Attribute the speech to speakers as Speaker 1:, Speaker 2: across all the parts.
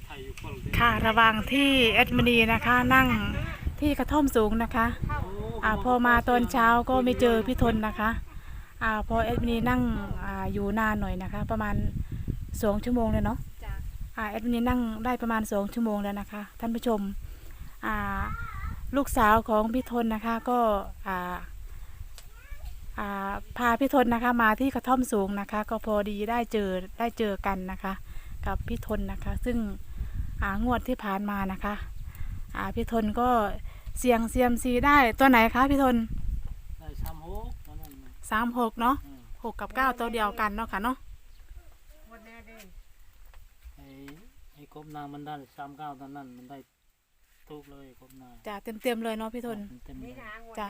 Speaker 1: ค่ะระหว่างที่แอดมินีนะคะนั่งที่กระท่อมสูงนะคะพอมาตอนเช้าก็ไม่เจอพี่ทนนะคะพอแอดมินีนั่งอยู่นานหน่อยนะคะประมาณ2 ชั่วโมงเลยเนาะแอดมินีนั่งได้ประมาณ2 ชั่วโมงแล้วนะคะท่านผู้ชมลูกสาวของพี่ทนนะคะก็พาพี่ทนนะคะมาที่กระท่อมสูงนะคะก็พอดีได้เจอกันนะคะกับพี่ทนนะคะซึ่งงวดที่ผ่านมานะคะพี่ทนก็เสี่ยงเซียมซีได้ตัวไหนคะพี่ทน
Speaker 2: ได้
Speaker 1: 36เนาะ6 กับ 9ตัวเดียวกันเนาะค่ะเนาะ
Speaker 2: ไอ้กบนางมันได้39ตอนนั้นมันได้ทุกเลยกบนาง
Speaker 1: จ้ะเต็มเลยเนาะพี่ทนจ้ะ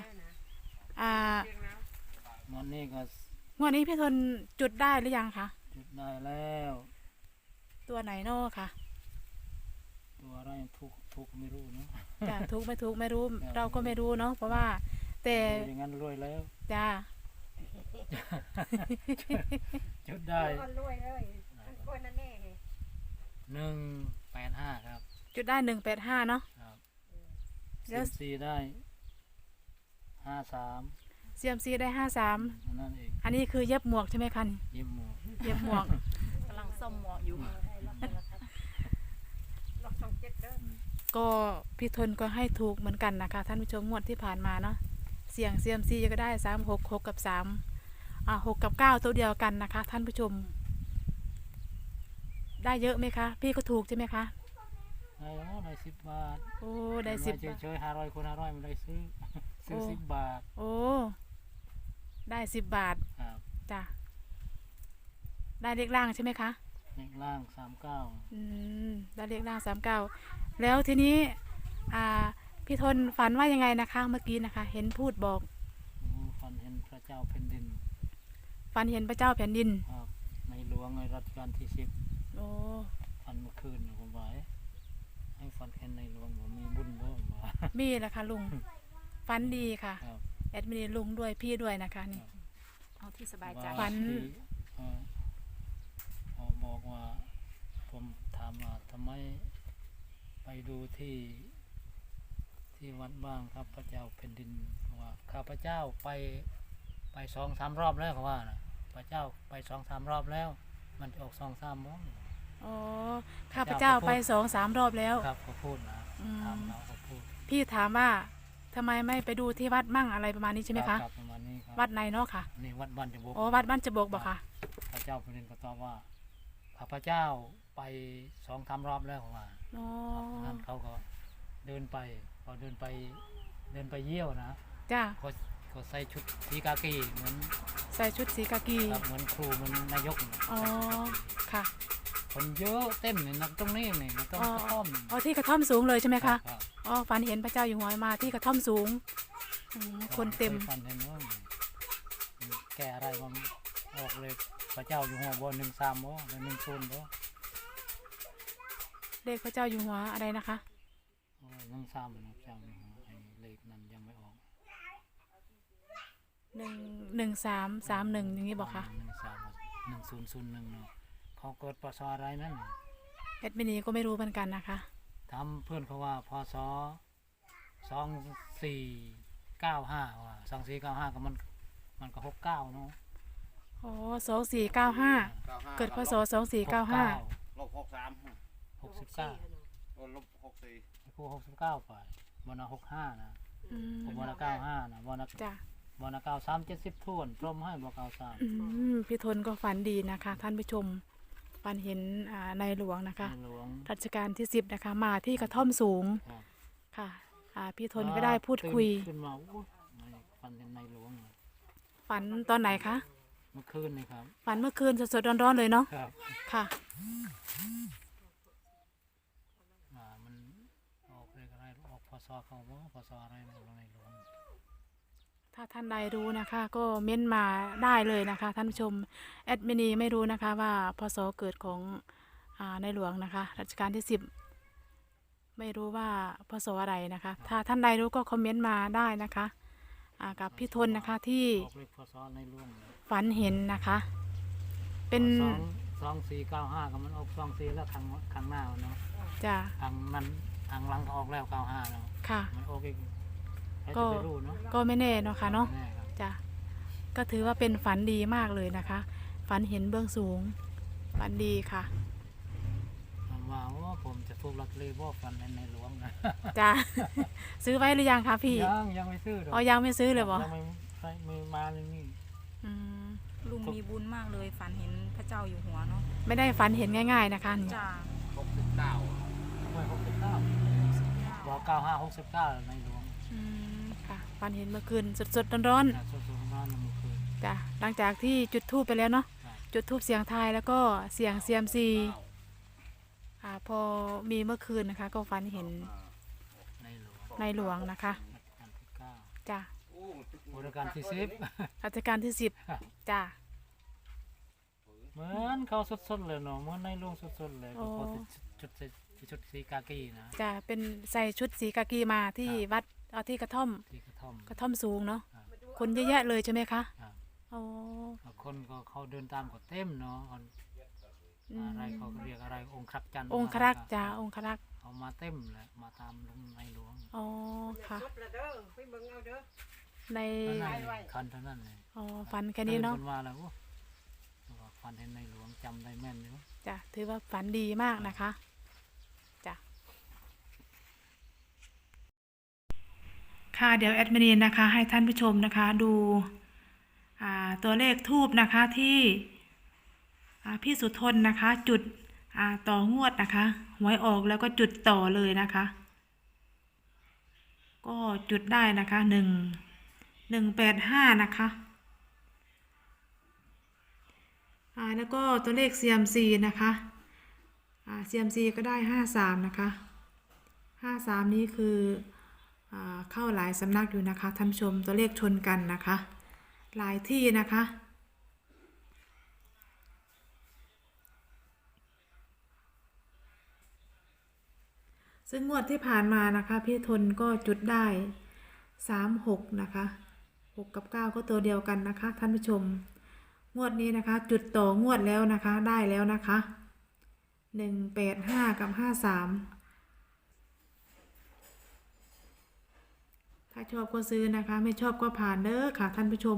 Speaker 2: มันนี่ก็
Speaker 1: งวดนี้พี่ทนจุดได้หรือยังคะ
Speaker 2: จุดได้แล้ว
Speaker 1: ตัวไหนเนาะค่ะ
Speaker 2: ตัวอะไรทุกไม่รู้เนาะ
Speaker 1: จ้ะทุกไม่รู้เราก็ไม่รู้เนาะเพราะว่าแต่
Speaker 2: อย่างนั้นรวยแล้ว
Speaker 1: จ้า
Speaker 2: จุดได้รวยเลย185ครับ
Speaker 1: จุดได้185เนาะ
Speaker 2: ครับแล้วซีได้53
Speaker 1: เซียมซีได้53
Speaker 2: นั่นเอง
Speaker 1: อันนี้คือเย็บหมวกใช่ไหมคะ
Speaker 2: เย็บห
Speaker 1: มวก
Speaker 3: กำลังซ่อมหมวกอยู่
Speaker 1: ก็พี่ทนก็ให้ถูกเหมือนกันนะคะท่านผู้ชมงวดที่ผ่านมาเนาะเสี่ยงเซียมซีก็ได้36 6 กับ 3 6 กับ 9ตัวเดียวกันนะคะท่านผู้ชมได้เยอะไหมคะพี่ก็ถูกใช่ไหมคะ
Speaker 2: ได้10 บาท
Speaker 1: โอ้ได้10 บาท
Speaker 2: เฉยๆ500 คูณ 500มันได้ซื้อ10 บาท
Speaker 1: โอ้ได้10 บาทจ้ะได้เลขล่างใช่ไหมคะ
Speaker 2: เลขล่าง39
Speaker 1: ได้เลขล่าง39แล้วทีนี้พี่ทนฝันว่ายังไงนะคะเมื่อกี้นะคะเห็นพูดบอก
Speaker 2: ฝันเห็นพระเจ้าแผ่นดิน
Speaker 1: ฝันเห็นพระเจ้าแผ่นดิน
Speaker 2: ในหลวงในรัชกาลที่10
Speaker 1: โอ้
Speaker 2: ฝันเมื่อคืนผมไว้ให้ฝันเห็นในหลวงผมมีบุญบ่
Speaker 1: มีแหละค่ะลุงฝันดีค่ะแอดมินลุงด้วยพี่ด้วยนะคะนี่
Speaker 3: เอาที่สบายใจ
Speaker 1: ฝัน
Speaker 2: บอกว่าผมถามว่าทำไมไปดูที่วัดบ้างครับพระเจ้าแผ่นดินว่าข้าพเจ้าไป2-3 รอบแล้วเขาว่านะพระเจ้าไป2-3 รอบแล้วมันจะออก2-3มั้ง
Speaker 1: อ๋อข้าพเจ้าไป2-3 รอบแล้ว
Speaker 2: ครับเขาพูดนะถามเราเขาพูด
Speaker 1: พี่ถามว่าทำไมไม่ไปดูที่วัดมั่งอะไรประมาณนี้ใช่ไหมคะ
Speaker 2: ประมาณนี้ครับ
Speaker 1: วัดไหนเนาะค่ะ
Speaker 2: นี่วัดบ้านจบก
Speaker 1: อ๋อวัดบ้านจบกบอกค่ะ
Speaker 2: พระเจ้าแผ่นดินก็ตอบว่าข้าพเจ้าไป2-3 รอบแล้วเขาว่านั้นเขาก็เดินไปพอเดินไปเยี่ยวนะ
Speaker 1: จ้า
Speaker 2: ก็ใส่ชุดสีกากีเหมือน
Speaker 1: ใส่ชุดสีกากี
Speaker 2: เหมือนครูเหมือนนายก
Speaker 1: อ๋อค่ะ
Speaker 2: คนเยอะเต็มเลยนะตรงนี้นี่นะตรงกระท่อม
Speaker 1: ที่กระท่อมสูงเลยใช่ไหมคะฝันเห็นพระเจ้าอยู่หัวมาที่กระท่อมสูงคนเต็ม
Speaker 2: ฝันเห็นว่าแกอะไรมันออกเลยพระเจ้าอยู่หัวบน13บ่10บ่
Speaker 1: เลขพระเจ้าอยู่หัวอะไรนะคะ
Speaker 2: 13นะเจ้าอยู่หัวไอ้เลขนั้นยังไม่ออก
Speaker 1: 1331อย่างนี้บอกค่ะ
Speaker 2: 1001เนาะเขาเกิดพศอะไรนั่น
Speaker 1: แอดมินีก็ไม่รู้เหมือนกันนะคะ
Speaker 2: ทำเพื่อนเขาว่าพศ2495ว่า2495ก็มันก็69เนาะ
Speaker 1: อ๋อ2495เกิดพศ2495
Speaker 4: ลบ63
Speaker 2: 69
Speaker 4: ลบ64
Speaker 2: ครู69ไปบน65นะบน95นะบน93 70ท่วนพร้อมให้บอก93
Speaker 1: พี่ทนก็ฝันดีนะคะท่านผู้ชมฝันเห็นในหลวงนะคะรัชกาลที่10นะคะมาที่กระท่อมสูงค่ะพี่ทนก็ได้พูดคุย
Speaker 2: ขึ้นมาฝันเห็นในหลวง
Speaker 1: ฝันตอนไหนคะ
Speaker 2: เมื่อคืนนี่ครับ
Speaker 1: ฝันเมื่อคืนสดๆร้อนๆเลยเนาะค่ะ
Speaker 2: มันออกเลยอะไรออกพศเขาว่าพศอะไรในหลวง
Speaker 1: ถ้าท่านใดรู้นะคะก็เม้นมาได้เลยนะคะท่านผู้ชมแอดมินีไม่รู้นะคะว่าพศเกิดของในหลวงนะคะรัชกาลที่10ไม่รู้ว่าพศอะไรนะคะถ้าท่านใดรู้ก็คอมเมนต์มาได้นะคะกับพี่ทนนะคะที่ฝันเห็นนะคะเป็น
Speaker 2: 2495ก็มันออก24แล้วข้างหน้าเนาะ
Speaker 1: จ้ะ
Speaker 2: ทางนั้นทางหลังก็ออกแล้ว95เนาะ
Speaker 1: ค่ะ
Speaker 2: มันออกอีกใคร
Speaker 1: ก็
Speaker 2: จะไปรู้เนาะ
Speaker 1: ก็ไม่แน่เนาะค่ะเนาะ
Speaker 2: แน่ครับ
Speaker 1: จ้ะก็ถือว่าเป็นฝันดีมากเลยนะคะ ฝันเห็นเบื้องสูง ฝันดีค่ะ
Speaker 2: ผมว่าโอ้ผมจะถูกลอตเตอรี่บ่ฟันในหลวงนะ
Speaker 1: จ้ะ ซื้อไว้หรือยังคะพี่
Speaker 2: ยังไม่ซื้อหรอก
Speaker 1: อ๋อยังไม่ซื้อเลยบ่
Speaker 2: ยังไม่มาเลยนี่
Speaker 1: อืม
Speaker 3: ลุงมีบุญมากเลยฝันเห็นพระเจ้าอยู่หัวเนาะ
Speaker 1: ไม่ได้ฝันเห็นง่าย ๆนะคะนี่
Speaker 3: จ้า
Speaker 2: ไม่69บอก95 69ในหลวง
Speaker 1: อืมค่ะฝันเห็นเมื่อคืนสดๆร้อน
Speaker 2: นะส่วนๆบ้านเมื่อคืน
Speaker 1: ๆจ้ะหลังจากที่จุดธูปไปแล้วเนาะ
Speaker 2: ครับ
Speaker 1: จุดธูปเสียงทายแล้วก็เสียงเซียมซีพอมีเมื่อคืนนะคะ ก็ฝันเห็น
Speaker 2: ในหลวง
Speaker 1: ในหลวงนะคะ
Speaker 2: รัชกาลที่9
Speaker 1: จ้ะ
Speaker 2: รัชกาลที่10
Speaker 1: รัชกาลที่10จ้ะ
Speaker 2: เหมือนเขาสดๆเลยเนาะเหมือนในหลวงสดๆเลย
Speaker 1: โอ้
Speaker 2: ก็ชุดสีกากีนะ
Speaker 1: จะเป็นใส่ชุดสีกากีมาที่วัดที่กระท่อม
Speaker 2: ที่กระท่อม
Speaker 1: กระท่อมสูงเนาะ
Speaker 2: ครับ
Speaker 1: คนเยอะแยะเลยใช่ไหมคะ
Speaker 2: ครับ
Speaker 1: โอ้
Speaker 2: แล้วคนก็เขาเดินตามก็เต็มเนาะคน
Speaker 1: อืม
Speaker 2: อะไรเขาเรียกอะไรองค์ครักษ์จันทร์
Speaker 1: องครักษ์จ้าองครักษ์
Speaker 2: เขามาเต็มเลยมาตามลุงในหลวง
Speaker 1: อ๋อค่ะ ใน
Speaker 2: นั่นเลยคันเท่านั้นเลย
Speaker 1: อ๋อฝันแค่นี้เนาะ
Speaker 2: คมาแล้วโอ้ว่าฟันเห็นในหลวงจำได้แม่นอยู่
Speaker 1: จ้ะถือว่าฝันดีมากนะคะจ้ะค่ะเดี๋ยวแอดมินนะคะ ให้ท่านผู้ชมนะคะดูตัวเลขทูบนะคะที่พี่สุทนนะคะ จุดต่องวดนะคะหวยออกแล้วก็จุดต่อเลยนะคะ ก็จุดได้นะคะ185นะคะแล้วก็ตัวเลข CMC นะคะ CMC ก็ได้53นะคะ53นี้คือเข้าหลายสำนักอยู่นะคะท่านผู้ชมตัวเลขชนกันนะคะ หลายที่นะคะ ซึ่งงวดที่ผ่านมานะคะพี่ทนก็จุดได้36นะคะ6กับ9ก็ตัวเดียวกันนะคะท่านผู้ชมงวดนี้นะคะ จุดต่องวดแล้วนะคะได้แล้วนะคะ185กับ53ถ้าชอบก็ซื้อนะคะไม่ชอบก็ผ่านเด้อค่ะท่านผู้ชม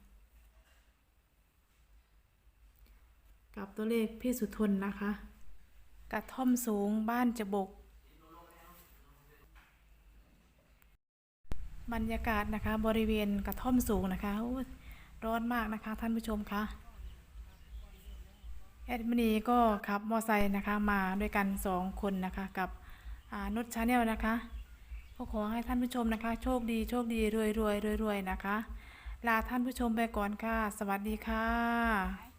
Speaker 1: กับตัวเลขพี่สุทนนะคะกระท่อมสูงบ้านจะบกบรรยากาศนะคะบริเวณกระท่อมสูงนะคะร้อนมากนะคะท่านผู้ชมคะแอดมินีก็ขับมอไซค์นะคะมาด้วยกัน2คนนะคะกับนุชชาแนลนะคะก็ขอให้ท่านผู้ชมนะคะโชคดีโชคดีรวยรวยรวยรวยนะคะลาท่านผู้ชมไปก่อนค่ะสวัสดีค่ะ